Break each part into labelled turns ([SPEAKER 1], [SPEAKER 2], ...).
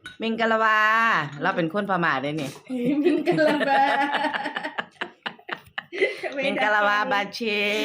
[SPEAKER 1] มิงกะลาวาเราเป็นคนพม่าได้นี่
[SPEAKER 2] มิงกะลาบา
[SPEAKER 1] มิงกะลาวาบาเช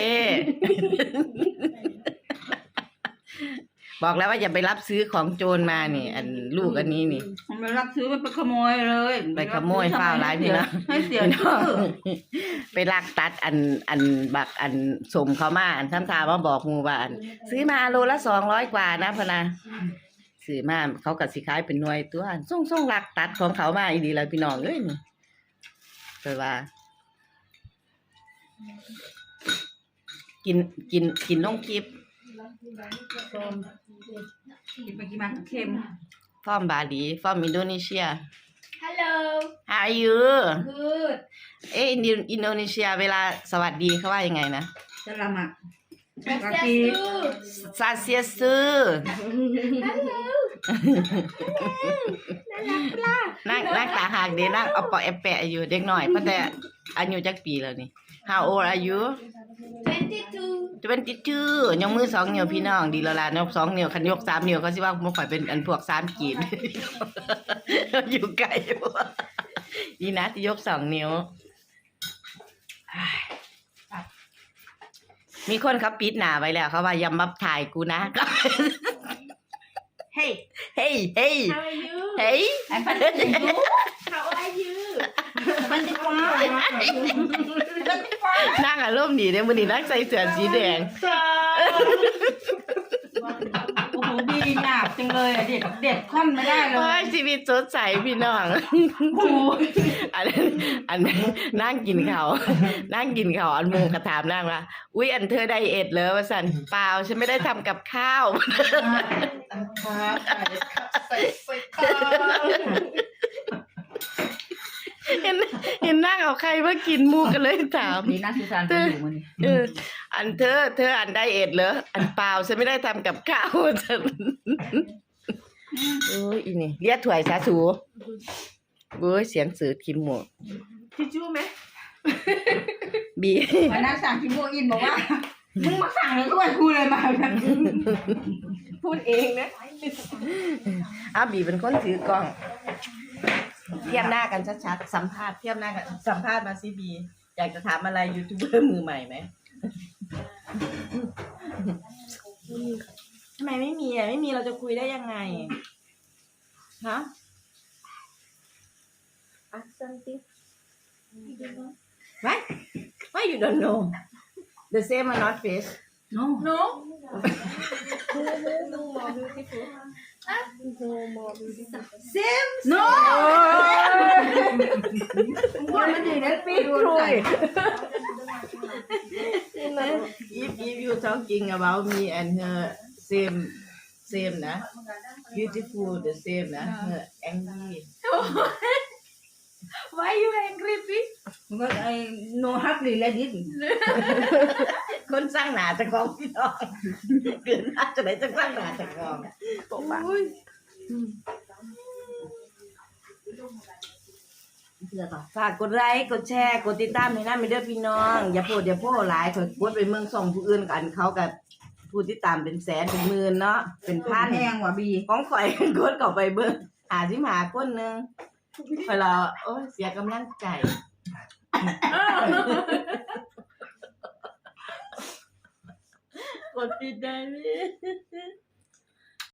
[SPEAKER 1] บอกแล้วว่าอย่าไปรับซื้อของโจรมานี่ อันลูกอันนี้นี่
[SPEAKER 2] มันไปรับซื้อมันไปขโมยเลย
[SPEAKER 1] ไปขโมยฝ้าวร้ายพี่นะ
[SPEAKER 2] ให้เสียชื่อ
[SPEAKER 1] ไปลักตัดอันบักอันสมเขามาอันทำทามาบอกหมู่ว่าอันซื้อมาโลละ200กว่านะพะนะซื้อมาเขาก็สิขายเป็นหน่วยตัวส่งลักตัดของเขามาอีดีแล้วพี่น้องเอ้ยนี่แปลว่า กินลงคลิป
[SPEAKER 2] ส้มกินไปกินมาเค็ม
[SPEAKER 1] ฟอร์มบาหลีฟอร์มอินโดนีเซีย
[SPEAKER 3] Hello.
[SPEAKER 1] How are you
[SPEAKER 3] Good.
[SPEAKER 1] อินโดนีเซียเวลาสวัสดีเขาว่ายังไงนะ
[SPEAKER 2] สลามัก
[SPEAKER 3] Swastiastu.
[SPEAKER 1] ซาเซียซือ
[SPEAKER 3] Hello.
[SPEAKER 1] นั่งตาหักเด้นั่งเอาปอแอปแปะอยู่เด็กหน่อยเพราะแต่อายุจักปีแล้วนี่ How old are you
[SPEAKER 3] 22.
[SPEAKER 1] 22ยกมือ2นิ้วพี่น้องดีแล้วล่ะยก2นิ้วคันยก3นิ้วเขาสิว่าบ่ค่อยเป็นอันพวก3กีบ อยู่ไกลบ่ดีนะที่ยก2นิ้วมีคนเขาปิดหน้าไว้แล้วเขาว่าอย่ามาถ่ายกูนะ
[SPEAKER 2] Hey
[SPEAKER 1] Hey hey
[SPEAKER 3] How are you?
[SPEAKER 1] hey
[SPEAKER 2] I'm fine
[SPEAKER 3] How are you?
[SPEAKER 2] มันจะฟ้า
[SPEAKER 1] นั่งอารมณ์ดีเด้มื้อนี้นั่งใส่เสื้อสีแดง
[SPEAKER 2] โอ้โหดีหนาบจังเลยอะเด็ดค่อนไม่ได้เล
[SPEAKER 1] โอ้
[SPEAKER 2] ย
[SPEAKER 1] ยชีวิตสดใสพี่น้อง
[SPEAKER 2] โอ้โห
[SPEAKER 1] อันนั่งกินข้าวนั่งกินข้าวอันหมูกระถามนั่งว่าอุ๊ยอันเธอไดเอทเหรอว่าซั่นเปล่าฉันไม่ได้ทำกับข้าว เห็นนั่งเอาใครมากินหมูกันเลยถาม
[SPEAKER 2] นี่น่าสงสารคนอยู่มัน
[SPEAKER 1] อันเธออันไดเอทเหรออันเปล่าฉันไม่ได้ทำกับข้าวฉันโอ้ยอีนี่เรียกถ้วยซะสูโอ้ยเสียงสื่อทิมหมด
[SPEAKER 3] ทิชชู่ไหม
[SPEAKER 1] บี
[SPEAKER 2] วันนั้นสั่งคิมโบอินบอกว่ามึงมาสั่งเลยด้วยกูเลยมาแบบ
[SPEAKER 3] พูดเองนะ
[SPEAKER 1] อ้าวบีเป็นคนถือกล้องเทียบหน้ากันชัดๆสัมภาษณ์เทียบหน้ากันสัมภาษณ์มาสิบีอยากจะถามอะไรยูทูบเบอร์มือใหม่ไหมทำไมไม่มีไม่มีเราจะคุยได้ยังไงฮะ
[SPEAKER 3] Ask something.
[SPEAKER 1] What? Why you don't know? The same or not face?
[SPEAKER 2] no
[SPEAKER 3] No. No more beautiful. No more beautiful.
[SPEAKER 1] Same.
[SPEAKER 2] no
[SPEAKER 1] มันไม่ดีนะปีกคุย If you talking about me and her same นะ beautiful the same นะ her angry
[SPEAKER 3] Why you angry, please?
[SPEAKER 2] มันก็ไอ้ no hardly like this
[SPEAKER 1] คนสร้างหนาจะกองพี่น้องเกินน่าจะไหนจะสร้างหนาจะกองบอกว่าฝากกดไลค์กดแชร์กดติดตามให้นะไม่เด้อพี่น้องอย่าโพดหลายข่อยกดไปเมืองส่องผู้อื่นกันเขากับผู้ติดตามเป็นแสนเป็นหมื่นเนาะเป็นพัน
[SPEAKER 2] แพงว่ะบี
[SPEAKER 1] ของข่อย กดเข้าไปเบิ่งหาคนนึงข่อยละโอ้ยเสียกำลังใจกดปิดได้ไหม